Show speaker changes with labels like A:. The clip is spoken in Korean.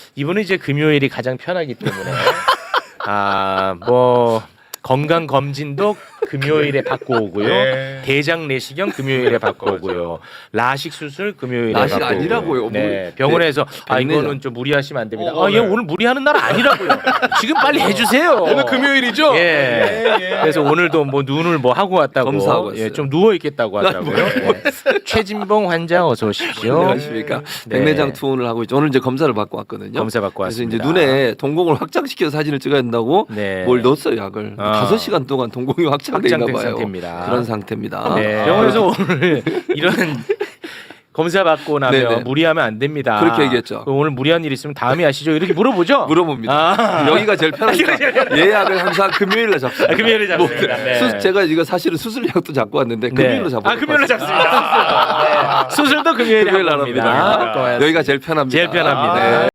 A: 이분은 이제 금요일이 가장 편하기 때문에 뭐 건강 검진도 금요일에 받고 오고요.
B: 네.
A: 대장 내시경 금요일에 받고 오고요. 라식 수술 금요일에
C: 라식
A: 받고 오고요.
C: 아니라고요.
A: 네, 병원에서
C: 백내장.
A: 이거는 좀 무리하시면 안 됩니다.
B: 네.
A: 얘 오늘 무리하는 날 아니라고요. 지금 빨리 해주세요.
B: 오늘 금요일이죠?
A: 예. 그래서 오늘도 뭐 눈을 뭐 하고 왔다고,
C: 검사하고 왔어요.
A: 예, 좀 누워 있겠다고 하더라고요. 예. 최진봉 환자 어서 오십시오.
C: 안녕하십니까.
A: 네.
C: 백내장 투혼을 하고 있죠. 오늘 이제 검사를 받고 왔거든요.
A: 검사 받고
C: 그래서
A: 왔습니다.
C: 이제 눈에 동공을 확장시켜서 사진을 찍어야 된다고
A: 네.
C: 뭘 넣었어요 약을. 5시간 동안 동공이 확장돼 있나
A: 확장된
C: 봐요.
A: 상태입니다.
C: 그런 상태입니다.
A: 네. 병원에서 오늘 이런 검사 받고 나면
C: 네네.
A: 무리하면 안 됩니다.
C: 그렇게 얘기했죠.
A: 그럼 오늘 무리한 일 있으면 다음에 하시죠. 이렇게 물어보죠.
C: 물어봅니다. 여기가 제일 편하니까 예약을 항상 금요일에 잡습니다.
A: 금요일에 잡습니다. 네.
C: 제가 이거 사실은 수술약도 잡고 왔는데 금요일로 잡고
A: 금요일로 잡습니다. 네. 수술도 금요일에
C: 금요일
A: 하고
C: 합니다.
A: 옵니다.
C: 여기가 제일 편합니다.
A: 제일 편합니다.
C: 네.